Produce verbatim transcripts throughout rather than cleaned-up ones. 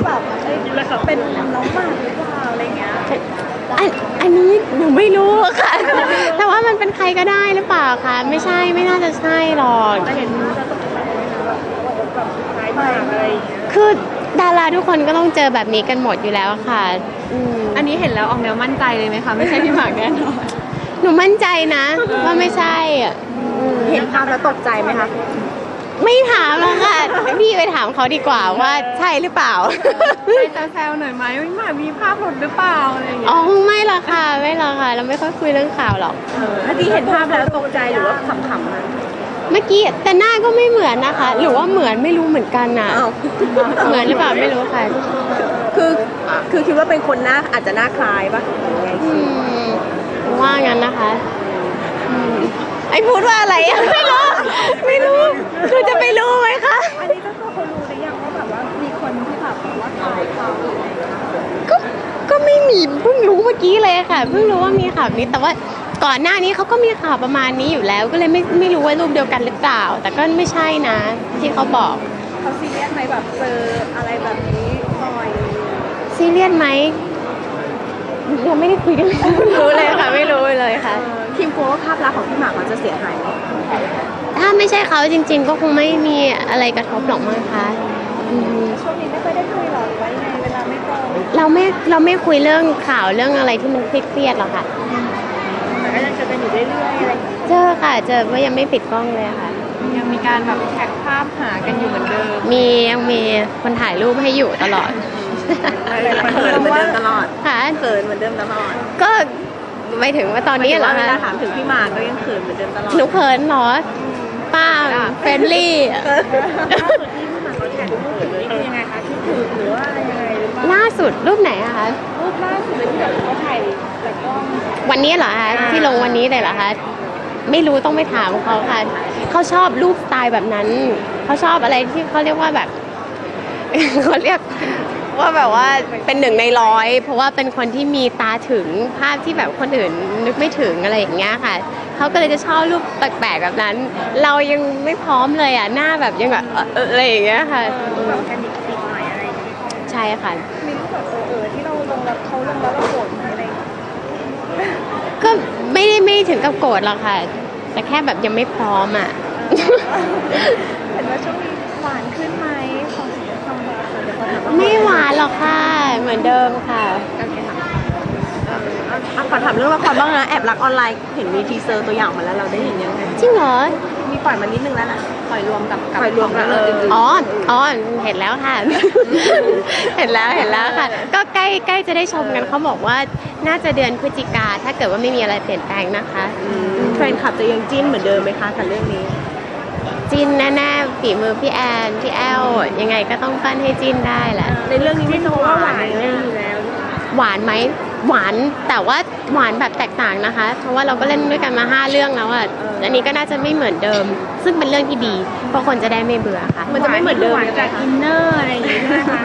แบบเอ้ยเป็นน้องหมากหรือเปล่าอะไรเงี้ยอันอันนี้หนูไม่รู้ค่ะ แต่ว่ามันเป็นใครก็ได้หรือเปล่าคะไม่ใช่ไม่น่าจะใช่หรอกเห็นคือดาราทุกคนก็ต้องเจอแบบนี้กันหมดอยู่แล้วค่ะอันนี้เห็นแล้วออกแนวมั่นใจเลยไหมคะไม่ใช่พี่หมากแน่นอนหนูมั่นใจนะว่าไม่ใช่อ่ะเห็นภาพแล้วตกใจไหมคะไม่ถามหรอกค่ะพี่ไปถามเขาดีกว่าว่าใช่หรือเปล่าจะแซวหน่อยไหมพี่หมากมีภาพหลุดหรือเปล่าอะไรอย่างเงี้ยอ๋อไม่หรอกค่ะไม่หรอกค่ะเราไม่ค่อยคุยเรื่องข่าวหรอกเมื่อกี้เห็นภาพแล้วตกใจหรือว่าขำๆนะเมื่อกี้แต่หน้าก็ไม่เหมือนนะคะหรือว่าเหมือนไม่รู้เหมือนกันน่ะเหมือนหรือเปล่าไม่รู้ค่ะคือคือคิดว่าเป็นคนหน้าอาจจะหน้าคล้ายปะอืมว่างั้นนะคะไอ้พูดว่าอะไรอะไม่รู้ไม่รู้คือจะไปรู้ไหมคะอันนี้ก็ตัวเขารู้หรือยังว่าแบบว่ามีคนที่แบบว่าคล้ายเขาก็ก็ไม่มีเพิ่งรู้เมื่อกี้เลยค่ะเพิ่งรู้ว่ามีข่าวนี้แต่ว่าก่อนหน้านี้เขาก็มีข่าวประมาณนี้อยู่แล้วก็เลยไม่ไม่รู้ว่ารูปเดียวกันหรือเปล่าแต่ก็ไม่ใช่นะที่เขาบอกเขาซีเรียสไหมแบบเจออะไรแบบนี้บ่อยซีเรียสไหมยังไม่ได้คุยกันรู้เลยค่ะไม่รู้เลยค่ะทีมกลัวว่าภาพลักษณ์ของพี่หมากมันจะเสียหายไหมถ้าไม่ใช่เขาจริงๆก็คงไม่มีอะไรกระทบหรอกมั้งคะช่วงนี้ไม่ค่อยได้คุยหรอหรือว่ายังไงเวลาไม่ตรงเราไม่เราไม่คุยเรื่องข่าวเรื่องอะไรที่มันเครียดๆหรอกค่ะแต่ก็ยังเจอกันอยู่เรื่อยๆอะไรเจอค่ะเจอว่ายังไม่ปิดกล้องเลยค่ะยังมีการแบบแท็กภาพหากันอยู่เหมือนเดิมมียังมีคนถ่ายรูปให้อยู่ตลอดเขินเหมือนเดิมตลอดค่ะเขินเหมือนเดิมตลอดก็ไม่ถึงว่าตอนนี้เหรอคะเวลาถามถึงพี่หมากก็ยังเขินเหมือนเดิมตลอดหนูเขินเหรอป้าเฟรนลี่ยังไงคะคิดถึงหรือว่าอะไรยังไงหรือเปล่าล่าสุดรูปไหนอะคะรูปล่าสุดเลยที่แบบเขาถ่ายจากกล้องวันนี้เหรอคะที่ลงวันนี้เลยเหรอคะไม่รู้ต้องไปถามเขาค่ะเขาชอบรูปสไตล์แบบนั้นเขาชอบอะไรที่เขาเรียกว่าแบบเขาเรียกว่าแบบว่าเป็นหนึ่งในร้อยเพราะว่าเป็นคนที่มีตาถึงภาพที่แบบคนอื่นนึกไม่ถึงอะไรอย่างเงี้ยค่ะเขาก็เลยจะชอบรูปแปลกๆแบบนั้นเรายังไม่พร้อมเลยอ่ะหน้าแบบยังแบบอะไรอย่างเงี้ยค่ะแบบแค่นิดนิดหน่อยอะไรอย่างเงี้ยใช่ค่ะมีรูปแบบเออที่เราลงแล้วเขาลงแล้วเราโกรธอะไรก็ไม่ได้ไม่ถึงกับโกรธหรอกค่ะแต่แค่แบบยังไม่พร้อมอ่ะเห็นว่าช่วงนี้หวานขึ้นไหมของความหวานเดี๋ยวขอถามไม่หวานหรอกค่ะเหมือนเดิมค่ะขอถามเรื่องละครบ้างนะแอบรักออนไลน์เห็นมีทีเซอร์ตัวอย่างมาแล้วเราได้เห็นยังไงจริงเหรอมีปล่อยมานิดนึงแล้วนะปล่อยรวมกับปล่อยรวมกันเลยอ๋ออ๋อเห็นแล้วค่ะเห็นแล้วเห็นแล้วค่ะก็ใกล้ใกล้จะได้ชมกันเขาบอกว่าน่าจะเดือนพฤศจิกาถ้าเกิดว่าไม่มีอะไรเปลี่ยนแปลงนะคะแฟนคลับจะยังจิ้นเหมือนเดิมไหมคะกับเรื่องนี้จิ้นแน่ๆฝีมือพี่แอนพี่แอลยังไงก็ต้องปั้นให้จิ้นได้แหละในเรื่องนี้ไม่ต้องว่าหวานเลยอยู่แล้วหวานไหมหวานแต่ว่าหวานแบบแตกต่างนะคะเพราะว่าเราก็เล่นด้วยกันมาห้าเรื่องแล้วอ่ะอันนี้ก็น่าจะไม่เหมือนเดิมซึ่งเป็นเรื่องที่ดีเพราะคนจะได้ไม่เบื่อค่ะมันจะไม่เหมือนเดิมจากอินเนอร์อะไรอย่างเงี้ยนะคะ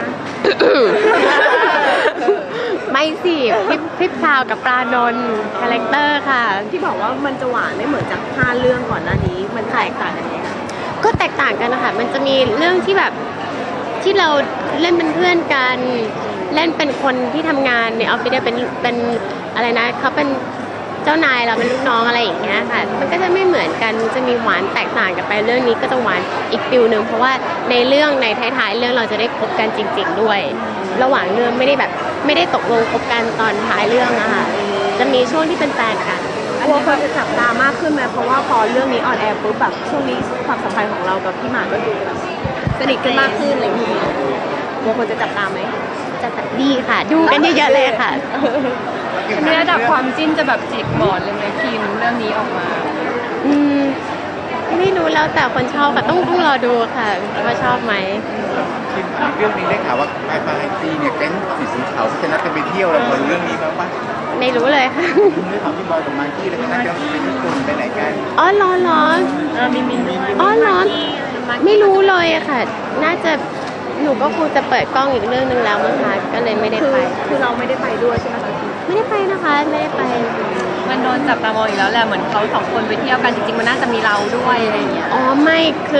ไม่สิพิพิพพาวกับปลานนท์คาแรคเตอร์ค่ะที่บอกว่ามันจะหวานไม่เหมือนจากห้าเรื่องก่อนหน้านี้มันแตกต่างกันยังไงก็แตกต่างกันนะคะมันจะมีเรื่องที่แบบที่เราเล่นเป็นเพื่อนกันเล่นเป็นคนที่ทำงานในออฟฟิศเป็นเป็นอะไรนะเขาเป็นเจ้านายเราเป็นลูกน้องอะไรอย่างเงี้ยค่ะมันก็จะไม่เหมือนกันจะมีหวานแตกต่างกันไปเรื่องนี้ก็จะหวานอีกฟิลนึงเพราะว่าในเรื่องในท้ายๆเรื่องเราจะได้คบกันจริงๆด้วยระหว่างเรื่องไม่ได้แบบไม่ได้ตกลงคบกันตอนท้ายเรื่องนะคะจะมีช่วงที่เป็นแฟนกันกลัวคนจะจับตามากขึ้นไหมเพราะว่าพอเรื่องนี้ออนแอร์ปุ๊บแบบช่วงนี้ความสัมพันธ์ของเรากับพี่หมากก็ดูแบบสนิทกันมากขึ้นอะไรอย่างเงี้ยกลัวคนจะจับตามไหมจะดีค่ะดูกันเยอะๆเลยค่ะในระดับความจิ้นจะแบบจิกหมอนเลยไหมพิมเรื่องนี้ออกมาอืมไม่รู้แล้วแต่คนชอบค่ะต้องต้องรอดูค่ะว่าชอบไหมเรื่องนี้ได้ข่าวว่าไฟฟ้าไอซีเนี่ยแก๊งสีสีขาวจะนัดกันไปเที่ยวเราพอรู้เรื่องนี้บ้างปะไม่รู้เลยค่ะได้ข่าวที่บอยกับมากกี้แล้วก็นัดกันไปญี่ปุ่นไปไหนกันอ๋อร้อนร้อนมีมีมีอ๋อร้อนไม่รู้เลยค่ะน่าจะหนูก็คงจะเปิดกล้องอีกเรื่องนึงแล้วมั้งคะก็เลยไม่ได้ไปคือเราไม่ได้ไปด้วยใช่ไหมคะไม่ได้ไปนะคะไม่ได้ไปมันโดนจับตามองอีกแล้วแหละเหมือนเขาสองคนไปเที่ยวกันจริงๆมันน่าจะมีเราด้วยอะไรอย่างเงี้ยอ๋อไม่คือ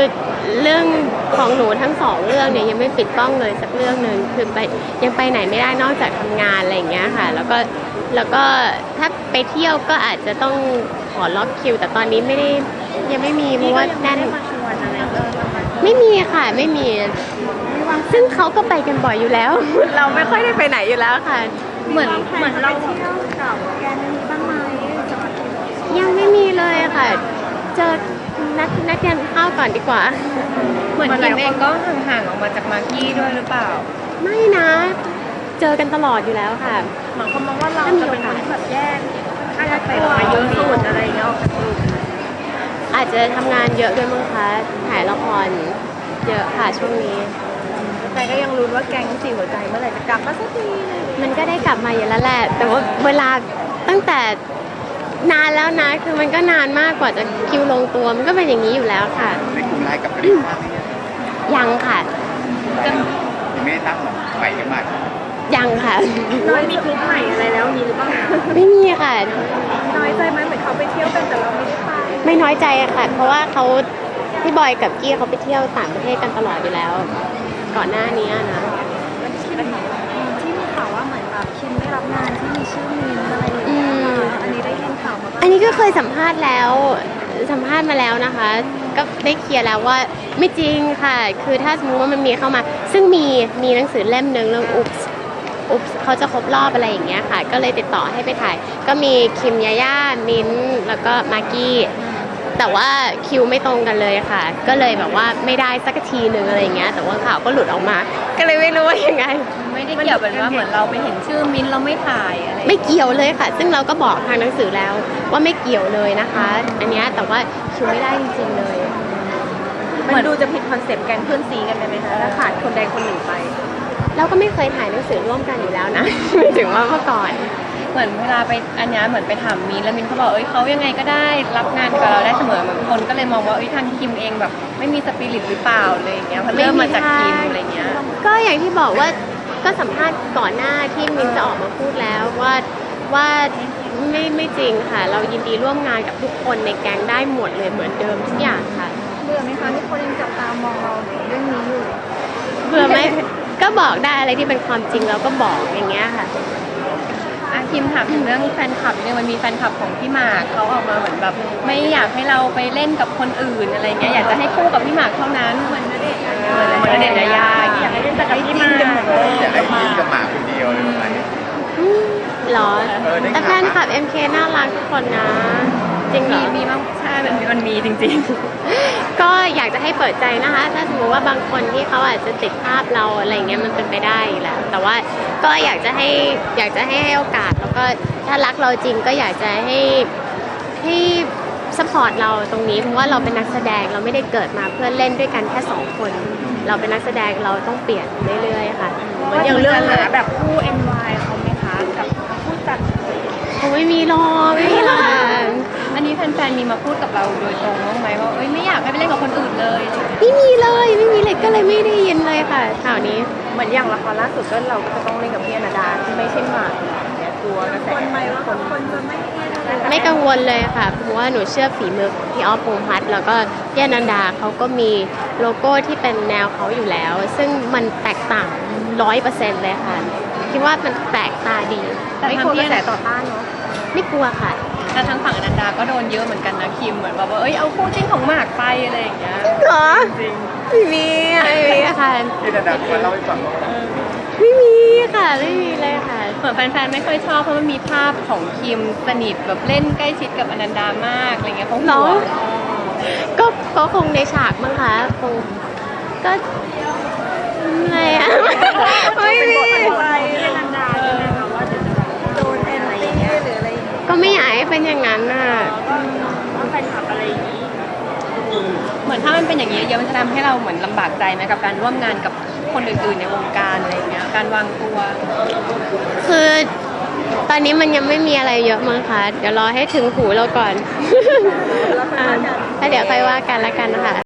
เรื่องของหนูทั้งสองเรื่องเนี่ยยังไม่ปิดกล้องเลยสักเรื่องหนึ่งคือไปยังไปไหนไม่ได้นอกจากทำงานอะไรอย่างเงี้ยค่ะแล้วก็แล้วก็ถ้าไปเที่ยวก็อาจจะต้องขอล็อกคิว แต่ตอนนี้ไม่ได้ยังไม่มีเพราะว่าแน่นไม่มีค่ะไม่มีซึ่งเขาก็ไปกันบ่อยอยู่แล้ว เราไม่ค่อยได้ไปไหนอยู่แล้วค่ะเหมือนเหมือนเราเที่ยวกับแกมีบ้างไหมยังไม่มีเลยค่ะเจอนัดนัดกันข้าวก่อนดีกว่าเหมือนคิมเองก็ห่างๆออกมาจากมากกี้ด้วยหรือเปล่าไม่นะ เจอกันตลอดอยู่แล้วค่ะหมายความว่าเราจะเป็นคนที่แบบแยกค่าจะไปมาเยอะสุดอะไรเงี้ยอาจจะทำงานเยอะด้วยมั้งคะถ่ายละครเยอะค่ะช่วงนี้แต่ก็ยังรู้ว่าแก๊งสี่หัวใจเมื่อไหร่จะกลับมาสักทีมันก็ได้กลับมาอยู่แล้วแหละ แต่ว่าเวลาตั้งแต่นานแล้วนะ คือมันก็นานมากกว่าจะคิวลงตัว มันก็เป็นอย่างนี้อยู่แล้วค่ะในกลุ่มไลน์กับลิซ่าเนี่ยยังค่ะยังไม่ได้ตั้งหรอกใหม่กันมากยังค่ะน้อยมีคลิปใหม่อะไรแล้วมีหรือเปล่าไม่มีค่ะน้อยใจไหมเหมือนเขาไปเที่ยวกันแต่เราไม่ได้ไปไม่น้อยใจอะค่ะ เพราะว่าเขาพี่บอยกับกี้เขาไปเที่ยวต่างประเทศกันตลอดอยู่แล้ว ก่อนหน้านี้นะที่มีข่าวว่าเหมือนแบบคิมได้รับงานที่มีชื่อมินอะไรอย่างอืเงี้ยมอันนี้ได้ยินข่าวมาบ้างอันนี้ก็เคยสัมภาษณ์แล้วสัมภาษณ์มาแล้วนะคะ ก็ได้เคลียร์แล้วว่าไม่จริงค่ะ คือถ้าสมมติว่ามันมีเข้ามา ซึ่งมีมีหนังสือเล่มหนึ่งเรื่องอุ๊บอุ๊บเขาจะครบรอบอะไรอย่างเงี้ยค่ะ ก็เลยติดต่อให้ไปถ่าย ก็มีคิมยาย่ามิ้นท์แล้วก็มากกี้แต่ว่าคิวไม่ตรงกันเลยค่ะ ก็เลยแบบว่าไม่ได้สักทีหนึ่งอะไรอย่างเงี้ยแต่ว่าข่าวก็หลุดออกมา ก็เลยไม่รู้ว่ายังไงไม่ได้เกี่ยวกับว่าเหมือนเราไปเห็นชื่อมิ้นท์เราไม่ถ่ายอะไรไม่เกี่ยวเลยค่ะ ซึ่งเราก็บอกทางหนังสือแล้วว่าไม่เกี่ยวเลยนะคะ อันเนี้ยแต่ว่าคิวไม่ได้จริงๆเลยมันดูจะผิดคอนเซปต์แก๊งเพื่อนซีกันเลยไหมคะถ้าขาดคนใดคนหนึ่งไปเราก็ไม่เคยถ่ายหนังสือร่วมกันอยู่แล้วนะ ไม่ถึงว่าเมื่อก่อนเหมือนเวลาไปอันเนี้ยเหมือนไปถามมิ้นท์แล้วมิ้นท์เขาบอกเอ้ยเขายังไงก็ได้รับงานกับเราได้เสมอเหมือนคนก็เลยมองว่าเอ้ยทางคิมเองแบบไม่มีสปิริตหรือเปล่าอะไรอย่างเงี้ยเพราะเริ่มมาจากคิมอะไรเงี้ยก็อย่างที่บอกว่าก็สัมภาษณ์ก่อนหน้าที่มินจะออกมาพูดแล้วว่าว่าไม่ไม่จริงค่ะ เรายินดีร่วมงานกับทุกคนในแก๊งได้หมดเลยเหมือนเดิมทุกอย่างค่ะเบื่อไหมคะที่คนยังจับตามองเราเรื่องนี้อยู่เบื่อไหม ก็บอกได้อะไรที่เป็นความจริงเราก็บอกอย่างเงี้ยค่ะอาคิมถามถึงเรื่องแฟนคลับเนี่ยมันมีแฟนคลับของพี่หมากเขาออกมาเหมือนแบบไม่อยากให้เราไปเล่นกับคนอื่นอะไรเงี้ยอยากจะให้คู่กับพี่หมากเท่านั้นเหมือนณเดชน์เหมือนณเดชน์ยายาอย่างเงี้ยอยากให้เล่นแต่กับพี่หมากอยากให้ยิ้มกับหมาคนเดียวเลยประมาณนี้อืมเหรอเออได้แต่แฟนคลับ เอ็ม เค น่ารักทุกคนนะ จริงเหรมีอมีมั้งใช่มันมีมันมีจริงก็อยากจะให้เปิดใจนะคะ ถ้าสมมติว่าบางคนที่เขาอาจจะติดภาพเราอะไรเงี้ยมันเป็นไปได้อยู่แล้ว แต่ว่าก็อยากจะให้อยากจะให้ให้โอกาส แล้วก็ถ้ารักเราจริงก็อยากจะให้ให้สปอร์ตเราตรงนี้เพราะว่าเราเป็นนักแสดงเราไม่ได้เกิดมาเพื่อเล่นด้วยกันแค่สองคน เราเป็นนักแสดงเราต้องเปลี่ยนเรื่อยๆค่ะเหมือนอย่างเรื่องหาแบบคู่ เอ็น วาย เขาไหมคะกับผู้จัดคงไม่มีหรอกไม่มีหรอกๆ อันนี้แฟนๆมีมาพูดกับเราโดยตรงบ้างไหมว่าเอ้ยไม่อยากให้ไปเล่นกับคนอื่นเลยไม่มีเลยไม่มีเลยก็เลยไม่ได้ยินเลยค่ะข่าวนี้เหมือนอย่างละครล่าสุดก็เราก็จะต้องเล่นกับพี่อนาดาที่ไม่ใช่หมากเนี่ยกลัวกระแสคนไหมว่าคนจะไม่ไม่กังวลเลยค่ะเพราะว่าหนูเชื่อฝีมือของพี่อ๊อฟพงษ์พัฒน์แล้วก็พี่อนันดาเขาก็มีโลโก้ที่เป็นแนวเขาอยู่แล้ว ซึ่งมันแตกต่างร้อยเปอร์เซ็นต์เลยค่ะคิดว่ามันแปลกตาดีแต่ไม่กลัวกระแสต่อต้านเนาะไม่กลัวค่ะแต่ทางฝั่งอนันดาก็โดนเยอะเหมือนกันนะคิมเหมือนแบบว่าเอ้ยเอาคู่จิ้นของหมากไปอะไรอย่างเงี้ยเหรอจริงไม่มีไม่มีค่ะที่ดาดามาเล่าให้ฟังว่าไม่มีค่ะไม่มีเลยค่ะเหมือนแฟนๆไม่ค่อยชอบเพราะมันมีภาพของคิมสนิทแบบเล่นใกล้ชิดกับอนันดามากอะไรเงี้ยเขาเหรห่อวงก็ก็คงในฉากมั้งคะคงก็อะไรอะ ไม่มีอะไรเล่นอนันดาใช่ไหมคะว่าจะโดนแอนตี้หรืออะไรอย่างเงี้ยก็ไม่อยากให้เป็นอย่างนั้นน่ะว่าแฟนคลับอะไรอย่างงี้เหมือนถ้ามันเป็นอย่างนี้เยอะมันจะทำให้เราเหมือนลำบากใจไหมกับการร่วมงานกับคนอื่นๆในวงการอะไรอย่างเงี้ยการวางตัวคือตอนนี้มันยังไม่มีอะไรเยอะมั้งคะเดี๋ยวรอให้ถึงหูเราก่อน อ่าแล้วเดี๋ยวค่อยว่ากันแล้วกันนะคะ